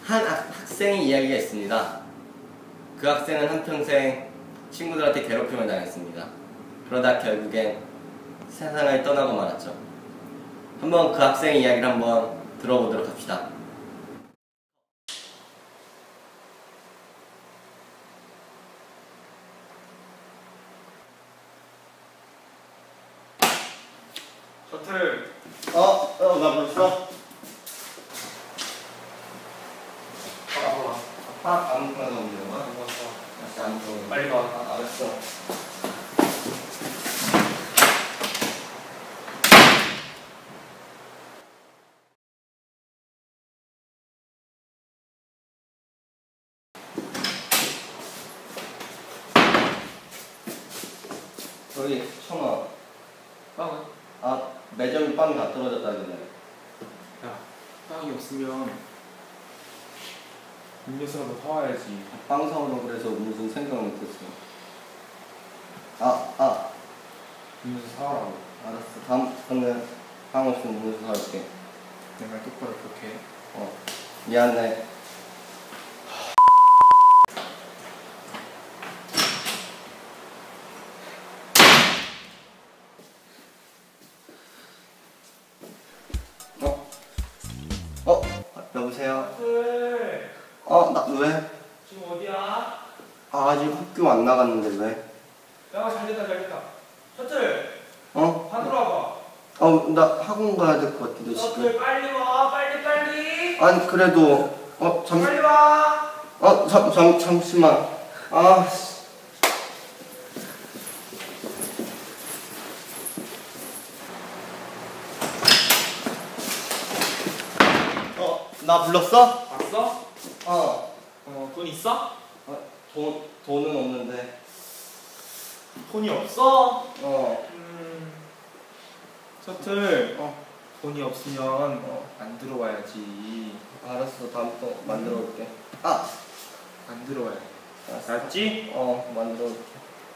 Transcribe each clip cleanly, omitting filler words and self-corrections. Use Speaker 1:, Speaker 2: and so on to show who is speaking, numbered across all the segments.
Speaker 1: 한 학생의 이야기가 있습니다. 그 학생은 한평생 친구들한테 괴롭힘을 당했습니다. 그러다 결국엔 세상을 떠나고 말았죠. 한번 그 학생의 이야기를 한번 들어보도록 합시다.
Speaker 2: 셔틀.
Speaker 1: 나 벌써? 아무거나 넣으면 거야? 아무거나.
Speaker 2: 빨리 가.
Speaker 1: 알았어. 저기 청아.
Speaker 2: 빵은?
Speaker 1: 매점에 빵이 다 떨어졌다길래.
Speaker 2: 야, 빵이 없으면 음료수라도 사와야지.
Speaker 1: 빵 사오려고 그래서 무슨 생각을 못했어.
Speaker 2: 음료수 사와라고.
Speaker 1: 알았어. 다음에 빵 없으면 음료수 사올게.
Speaker 2: 내 말 똑바로 그렇게 해.
Speaker 1: 미안해. 여보세요?
Speaker 2: 셔틀.
Speaker 1: 나 왜?
Speaker 2: 지금 어디야?
Speaker 1: 아직 학교 안 나갔는데 왜?
Speaker 2: 야, 잘됐다. 셔틀.
Speaker 1: 어?
Speaker 2: 반으로 와봐.
Speaker 1: 나 학원 가야 될 것 같아, 너
Speaker 2: 셔틀
Speaker 1: 지금.
Speaker 2: 빨리 와. 빨리.
Speaker 1: 아니, 그래도,
Speaker 2: 빨리 와.
Speaker 1: 잠시만. 씨. 나 불렀어?
Speaker 2: 왔어? 돈 있어?
Speaker 1: 돈은 없는데.
Speaker 2: 돈이 없어?
Speaker 1: 어.
Speaker 2: 셔틀. 돈이 없으면 안 들어와야지.
Speaker 1: 알았어, 다음부터 만들어 올게.
Speaker 2: 안 들어와야 돼. 알았지?
Speaker 1: 만들어 올게.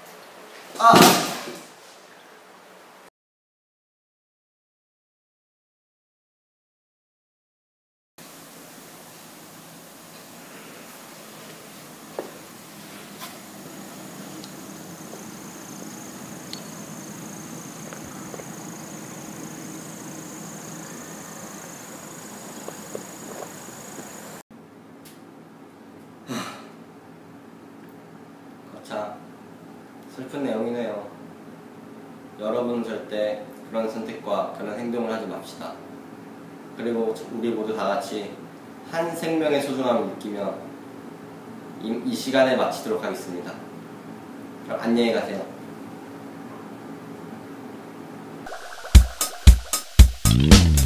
Speaker 1: 자, 슬픈 내용이네요. 여러분은 절대 그런 선택과 그런 행동을 하지 맙시다. 그리고 우리 모두 다 같이 한 생명의 소중함을 느끼며 이 시간을 마치도록 하겠습니다. 그럼 안녕히 가세요.